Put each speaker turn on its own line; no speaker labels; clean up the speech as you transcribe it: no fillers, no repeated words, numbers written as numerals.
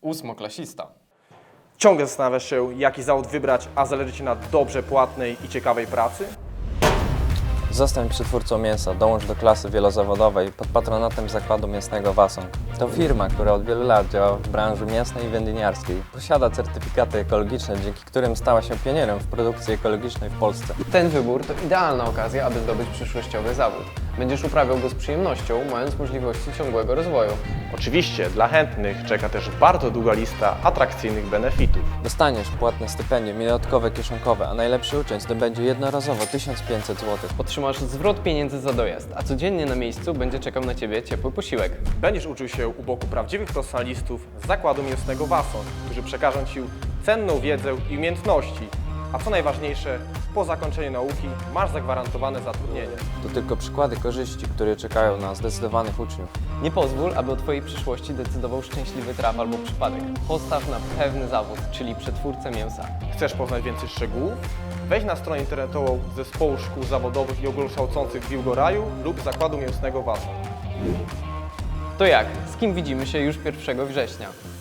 Ósmoklasista.
Ciągle zastanawiasz się, jaki zawód wybrać, a zależy Ci na dobrze płatnej i ciekawej pracy?
Zostań przetwórcą mięsa, dołącz do klasy wielozawodowej pod patronatem zakładu mięsnego Wasong. To firma, która od wielu lat działa w branży mięsnej i wędliniarskiej. Posiada certyfikaty ekologiczne, dzięki którym stała się pionierem w produkcji ekologicznej w Polsce.
Ten wybór to idealna okazja, aby zdobyć przyszłościowy zawód. Będziesz uprawiał go z przyjemnością, mając możliwości ciągłego rozwoju.
Oczywiście, dla chętnych czeka też bardzo długa lista atrakcyjnych benefitów.
Dostaniesz płatne stypendium i dodatkowe kieszonkowe, a najlepszy uczeń zdobędzie jednorazowo 1500 zł.
Otrzymasz zwrot pieniędzy za dojazd, a codziennie na miejscu będzie czekał na Ciebie ciepły posiłek.
Będziesz uczył się u boku prawdziwych profesjonalistów z zakładu mięsnego Wasong, którzy przekażą Ci cenną wiedzę i umiejętności. A co najważniejsze, po zakończeniu nauki masz zagwarantowane zatrudnienie.
To tylko przykłady korzyści, które czekają na zdecydowanych uczniów.
Nie pozwól, aby o Twojej przyszłości decydował szczęśliwy traf albo przypadek. Postaw na pewny zawód, czyli przetwórcę mięsa.
Chcesz poznać więcej szczegółów? Wejdź na stronę internetową Zespołu Szkół Zawodowych i Ogólnokształcących w Wilgoraju lub Zakładu Mięsnego Wasong.
To jak? Z kim widzimy się już 1 września?